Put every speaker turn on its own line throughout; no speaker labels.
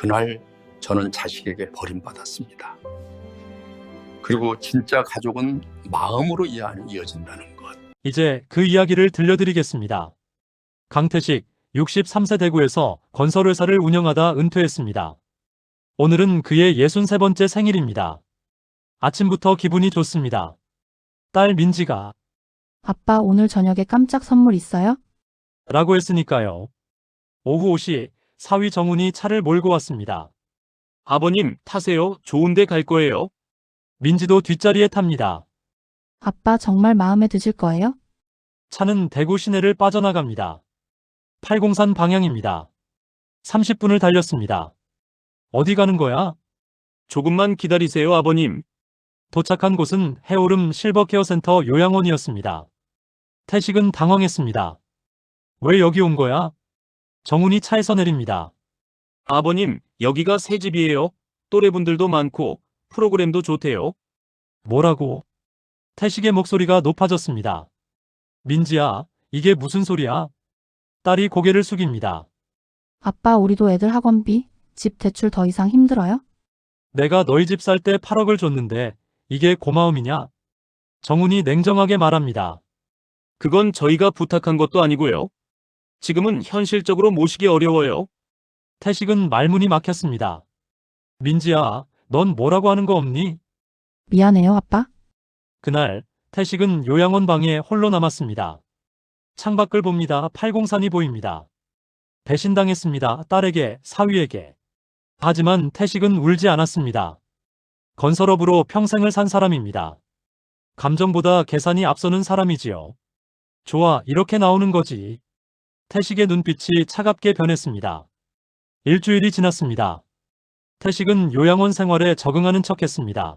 그날 저는 자식에게 버림받았습니다. 그리고 진짜 가족은 마음으로 이어진다는 것.
이제 그 이야기를 들려드리겠습니다. 강태식 63세 대구에서 건설회사를 운영하다 은퇴했습니다. 오늘은 그의 63번째 생일입니다. 아침부터 기분이 좋습니다. 딸 민지가
아빠 오늘 저녁에 깜짝 선물 있어요?
라고 했으니까요. 오후 5시 사위 정훈이 차를 몰고 왔습니다.
아버님, 타세요. 좋은 데 갈 거예요.
민지도 뒷자리에 탑니다.
아빠 정말 마음에 드실 거예요?
차는 대구 시내를 빠져나갑니다. 팔공산 방향입니다. 30분을 달렸습니다. 어디 가는 거야?
조금만 기다리세요, 아버님.
도착한 곳은 해오름 실버케어센터 요양원이었습니다. 태식은 당황했습니다. 왜 여기 온 거야? 정훈이 차에서 내립니다.
아버님, 여기가 새 집이에요. 또래분들도 많고 프로그램도 좋대요.
뭐라고? 태식의 목소리가 높아졌습니다. 민지야, 이게 무슨 소리야? 딸이 고개를 숙입니다.
아빠 우리도 애들 학원비, 집 대출 더 이상 힘들어요?
내가 너희 집 살 때 8억을 줬는데 이게 고마움이냐? 정훈이 냉정하게 말합니다.
그건 저희가 부탁한 것도 아니고요. 지금은 현실적으로 모시기 어려워요.
태식은 말문이 막혔습니다. 민지야, 넌 뭐라고 하는 거 없니?
미안해요 아빠.
그날 태식은 요양원 방에 홀로 남았습니다. 창밖을 봅니다. 팔공산이 보입니다. 배신당했습니다. 딸에게, 사위에게. 하지만 태식은 울지 않았습니다. 건설업으로 평생을 산 사람입니다. 감정보다 계산이 앞서는 사람이지요. 좋아, 이렇게 나오는 거지. 태식의 눈빛이 차갑게 변했습니다. 일주일이 지났습니다. 태식은 요양원 생활에 적응하는 척했습니다.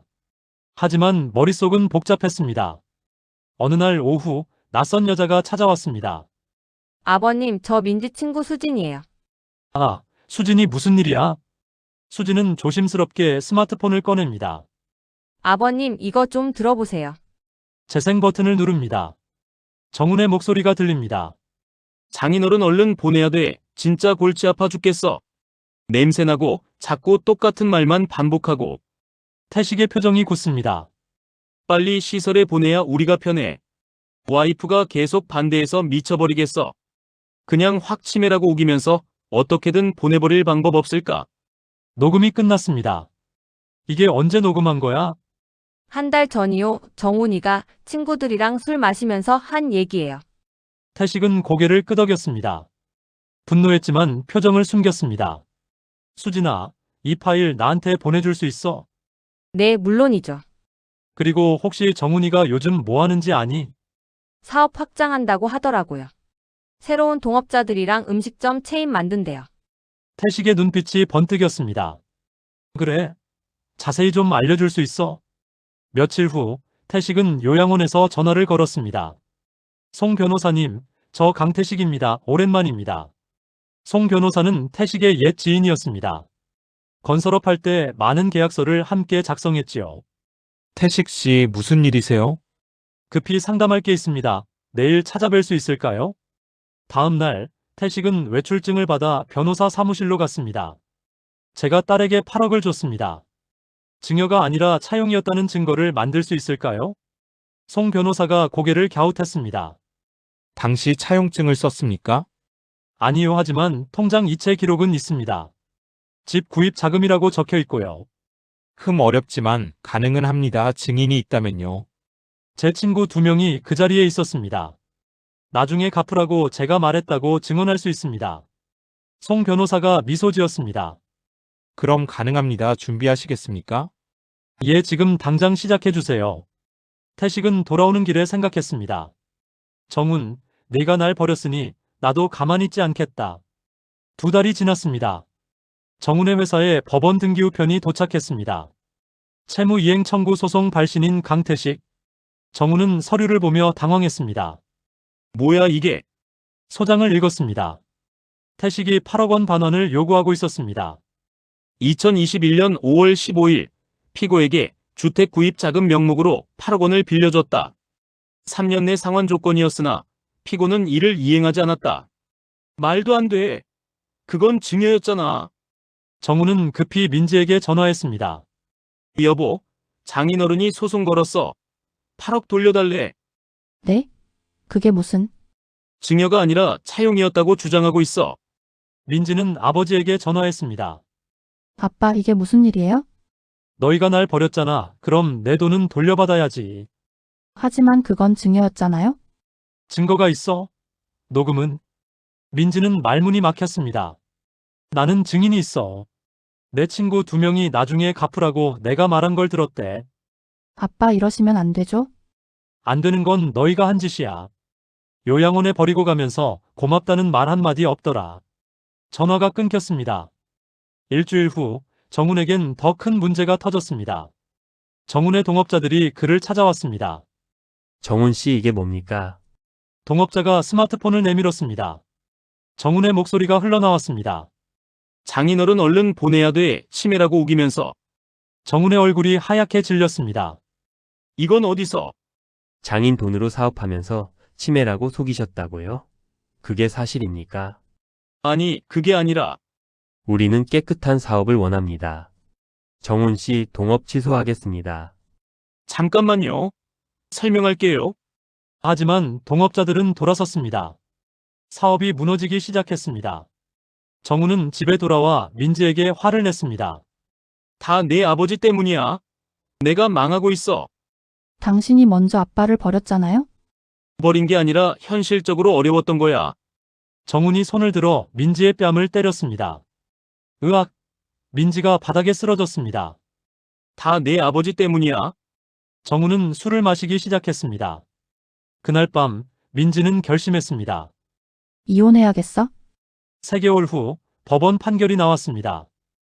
하지만 머릿속은 복잡했습니다. 어느 날 오후 낯선 여자가 찾아왔습니다.
아버님, 저 민지 친구 수진이에요.
아, 수진이 무슨 일이야? 수진은 조심스럽게 스마트폰을 꺼냅니다.
아버님, 이거 좀 들어보세요.
재생 버튼을 누릅니다. 정훈의 목소리가 들립니다.
장인어른 얼른 보내야 돼. 진짜 골치 아파 죽겠어. 냄새나고 자꾸 똑같은 말만 반복하고.
태식의 표정이 굳습니다.
빨리 시설에 보내야 우리가 편해. 와이프가 계속 반대해서 미쳐버리겠어. 그냥 확 치매라고 우기면서 어떻게든 보내버릴 방법 없을까?
녹음이 끝났습니다. 이게 언제 녹음한 거야?
한 달 전이요. 정훈이가 친구들이랑 술 마시면서 한 얘기예요.
태식은 고개를 끄덕였습니다. 분노했지만 표정을 숨겼습니다. 수진아, 이 파일 나한테 보내줄 수 있어?
네, 물론이죠.
그리고 혹시 정훈이가 요즘 뭐 하는지 아니?
사업 확장한다고 하더라고요. 새로운 동업자들이랑 음식점 체인 만든대요.
태식의 눈빛이 번뜩였습니다. 그래? 자세히 좀 알려줄 수 있어? 며칠 후 태식은 요양원에서 전화를 걸었습니다. 송 변호사님, 저 강태식입니다. 오랜만입니다. 송 변호사는 태식의 옛 지인이었습니다. 건설업 할 때 많은 계약서를 함께 작성했지요.
태식 씨 무슨 일이세요?
급히 상담할 게 있습니다. 내일 찾아뵐 수 있을까요? 다음 날 태식은 외출증을 받아 변호사 사무실로 갔습니다. 제가 딸에게 8억을 줬습니다. 증여가 아니라 차용이었다는 증거를 만들 수 있을까요? 송 변호사가 고개를 갸웃했습니다.
당시 차용증을 썼습니까?
아니요, 하지만 통장 이체 기록은 있습니다. 집 구입 자금이라고 적혀 있고요.
어렵지만 가능은 합니다. 증인이 있다면요.
제 친구 2명이 그 자리에 있었습니다. 나중에 갚으라고 제가 말했다고 증언할 수 있습니다. 송 변호사가 미소 지었습니다.
그럼 가능합니다. 준비하시겠습니까?
예, 지금 당장 시작해 주세요. 태식은 돌아오는 길에 생각했습니다. 정훈, 네가 날 버렸으니 나도 가만히 있지 않겠다. 2달이 지났습니다. 정훈의 회사에 법원 등기 우편이 도착했습니다. 채무이행 청구 소송 발신인 강태식. 정훈은 서류를 보며 당황했습니다.
뭐야 이게?
소장을 읽었습니다. 태식이 8억 원 반환을 요구하고 있었습니다.
2021년 5월 15일 피고에게 주택 구입 자금 명목으로 8억 원을 빌려줬다. 3년 내 상환 조건이었으나 피고는 이를 이행하지 않았다. 말도 안 돼. 그건 증여였잖아.
정우는 급히 민지에게 전화했습니다.
여보, 장인어른이 소송 걸었어. 8억 돌려달래.
네? 그게 무슨?
증여가 아니라 차용이었다고 주장하고 있어.
민지는 아버지에게 전화했습니다.
아빠, 이게 무슨 일이에요?
너희가 날 버렸잖아. 그럼 내 돈은 돌려받아야지.
하지만 그건 증여였잖아요?
증거가 있어? 녹음은? 민지는 말문이 막혔습니다. 나는 증인이 있어. 내 친구 2명이 나중에 갚으라고 내가 말한 걸 들었대.
아빠, 이러시면 안 되죠?
안 되는 건 너희가 한 짓이야. 요양원에 버리고 가면서 고맙다는 말 한마디 없더라. 전화가 끊겼습니다. 일주일 후 정훈에겐 더 큰 문제가 터졌습니다. 정훈의 동업자들이 그를 찾아왔습니다.
정훈 씨, 이게 뭡니까?
동업자가 스마트폰을 내밀었습니다. 정훈의 목소리가 흘러나왔습니다.
장인어른 얼른 보내야 돼. 치매라고 우기면서.
정훈의 얼굴이 하얗게 질렸습니다.
이건 어디서?
장인 돈으로 사업하면서 치매라고 속이셨다고요? 그게 사실입니까?
아니, 그게 아니라.
우리는 깨끗한 사업을 원합니다. 정훈 씨, 동업 취소하겠습니다.
잠깐만요. 설명할게요.
하지만 동업자들은 돌아섰습니다. 사업이 무너지기 시작했습니다. 정훈은 집에 돌아와 민지에게 화를 냈습니다.
다 내 아버지 때문이야. 내가 망하고 있어.
당신이 먼저 아빠를 버렸잖아요?
버린 게 아니라 현실적으로 어려웠던 거야.
정훈이 손을 들어 민지의 뺨을 때렸습니다. 으악! 민지가 바닥에 쓰러졌습니다.
다 내 아버지 때문이야.
정훈은 술을 마시기 시작했습니다. 그날 밤 민지는 결심했습니다.
이혼해야겠어?
3개월 후 법원 판결이 나왔습니다.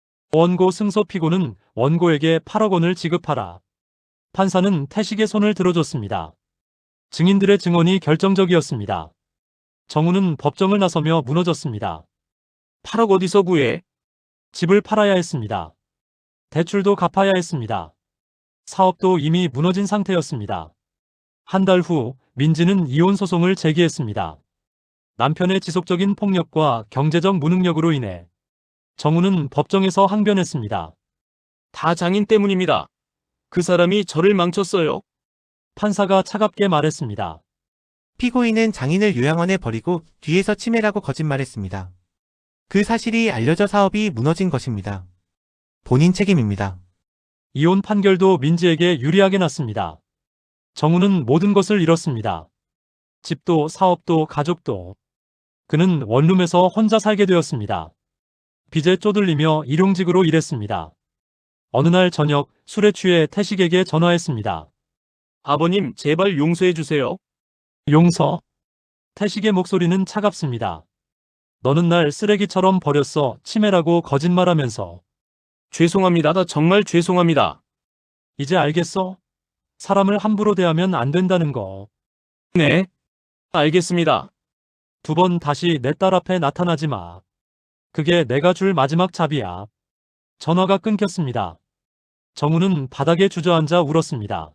원고 승소 피고는 원고에게 8억 원을 지급하라. 판사는 태식의 손을 들어줬습니다. 증인들의 증언이 결정적이었습니다. 정우는 법정을 나서며 무너졌습니다.
8억 어디서 구해?
집을 팔아야 했습니다. 대출도 갚아야 했습니다. 사업도 이미 무너진 상태였습니다. 한 달 후 민지는 이혼 소송을 제기했습니다. 남편의 지속적인 폭력과 경제적 무능력으로 인해 정우는 법정에서 항변했습니다.
다 장인 때문입니다. 그 사람이 저를 망쳤어요.
판사가 차갑게 말했습니다.
피고인은 장인을 요양원에 버리고 뒤에서 치매라고 거짓말했습니다. 그 사실이 알려져 사업이 무너진 것입니다. 본인 책임입니다.
이혼 판결도 민지에게 유리하게 났습니다. 정우는 모든 것을 잃었습니다. 집도 사업도 가족도. 그는 원룸에서 혼자 살게 되었습니다. 빚에 쪼들리며 일용직으로 일했습니다. 어느 날 저녁 술에 취해 태식에게 전화했습니다.
아버님, 제발 용서해 주세요.
용서? 태식의 목소리는 차갑습니다. 너는 날 쓰레기처럼 버렸어. 치매라고 거짓말하면서.
죄송합니다. 나 정말 죄송합니다.
이제 알겠어? 사람을 함부로 대하면 안 된다는 거.
네. 알겠습니다.
2번 다시 내 딸 앞에 나타나지 마. 그게 내가 줄 마지막 잡이야. 전화가 끊겼습니다. 정우는 바닥에 주저앉아 울었습니다.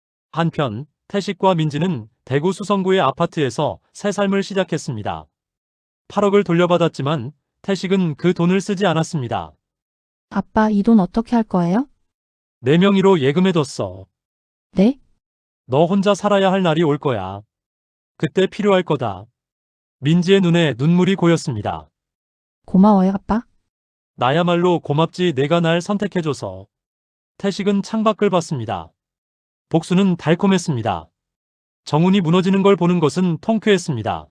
한편 태식과 민지는 대구 수성구의 아파트에서 새 삶을 시작했습니다. 8억을 돌려받았지만 태식은 그 돈을 쓰지 않았습니다.
아빠, 이 돈 어떻게 할 거예요?
내 명의로 예금해뒀어.
네?
너 혼자 살아야 할 날이 올 거야. 그때 필요할 거다. 민지의 눈에 눈물이 고였습니다.
고마워요, 아빠.
나야말로 고맙지, 내가 날 선택해줘서. 태식은 창밖을 봤습니다. 복수는 달콤했습니다. 정훈이 무너지는 걸 보는 것은 통쾌했습니다.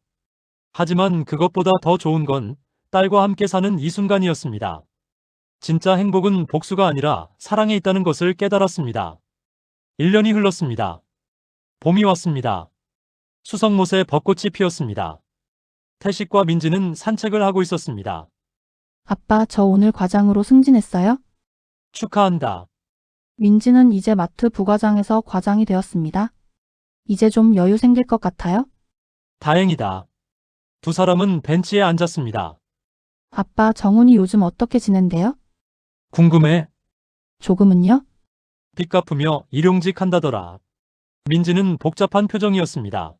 하지만 그것보다 더 좋은 건 딸과 함께 사는 이 순간이었습니다. 진짜 행복은 복수가 아니라 사랑에 있다는 것을 깨달았습니다. 1년이 흘렀습니다. 봄이 왔습니다. 수성못에 벚꽃이 피었습니다. 태식과 민지는 산책을 하고 있었습니다.
아빠, 저 오늘 과장으로 승진했어요?
축하한다.
민지는 이제 마트 부과장에서 과장이 되었습니다. 이제 좀 여유 생길 것 같아요?
다행이다. 2 사람은 벤치에 앉았습니다.
아빠, 정훈이 요즘 어떻게 지낸대요?
궁금해?
조금은요?
빚 갚으며 일용직 한다더라. 민지는 복잡한 표정이었습니다.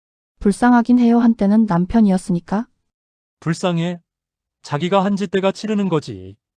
불쌍하긴 해요. 한때는 남편이었으니까.
불쌍해. 자기가 한 짓대가 치르는 거지.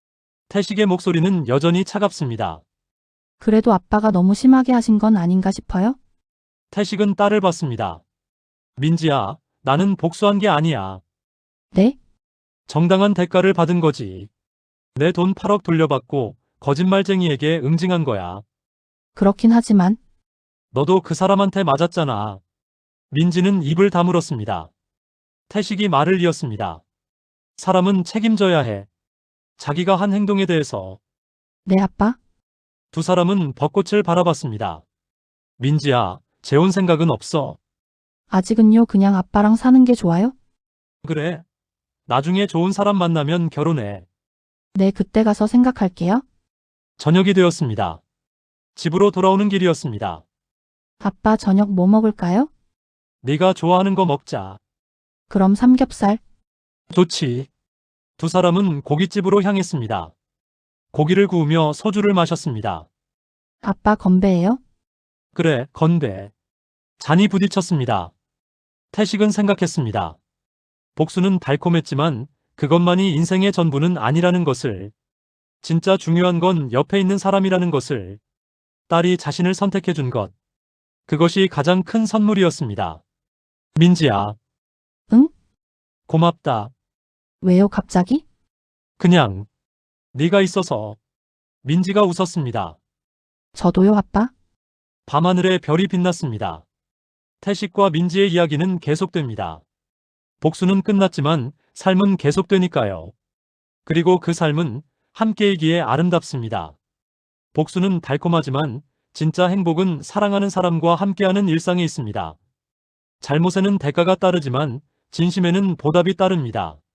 태식의 목소리는 여전히 차갑습니다.
그래도 아빠가 너무 심하게 하신 건 아닌가 싶어요?
태식은 딸을 봤습니다. 민지야, 나는 복수한 게 아니야.
네?
정당한 대가를 받은 거지. 내 돈 8억 돌려받고 거짓말쟁이에게 응징한 거야.
그렇긴 하지만
너도 그 사람한테 맞았잖아. 민지는 입을 다물었습니다. 태식이 말을 이었습니다. 사람은 책임져야 해. 자기가 한 행동에 대해서.
네, 아빠?
두 사람은 벚꽃을 바라봤습니다. 민지야, 재혼 생각은 없어.
아직은요, 그냥 아빠랑 사는 게 좋아요?
그래. 나중에 좋은 사람 만나면 결혼해.
네, 그때 가서 생각할게요.
저녁이 되었습니다. 집으로 돌아오는 길이었습니다.
아빠 저녁 뭐 먹을까요?
네가 좋아하는 거 먹자.
그럼 삼겹살.
좋지. 두 사람은 고깃집으로 향했습니다. 고기를 구우며 소주를 마셨습니다.
아빠 건배예요?
그래, 건배. 잔이 부딪혔습니다. 태식은 생각했습니다. 복수는 달콤했지만 그것만이 인생의 전부는 아니라는 것을. 진짜 중요한 건 옆에 있는 사람이라는 것을. 딸이 자신을 선택해 준 것. 그것이 가장 큰 선물이었습니다. 민지야.
응?
고맙다.
왜요, 갑자기?
그냥 네가 있어서. 민지가 웃었습니다.
저도요, 아빠?
밤하늘에 별이 빛났습니다. 태식과 민지의 이야기는 계속됩니다. 복수는 끝났지만 삶은 계속되니까요. 그리고 그 삶은 함께이기에 아름답습니다. 복수는 달콤하지만 진짜 행복은 사랑하는 사람과 함께하는 일상에 있습니다. 잘못에는 대가가 따르지만 진심에는 보답이 따릅니다.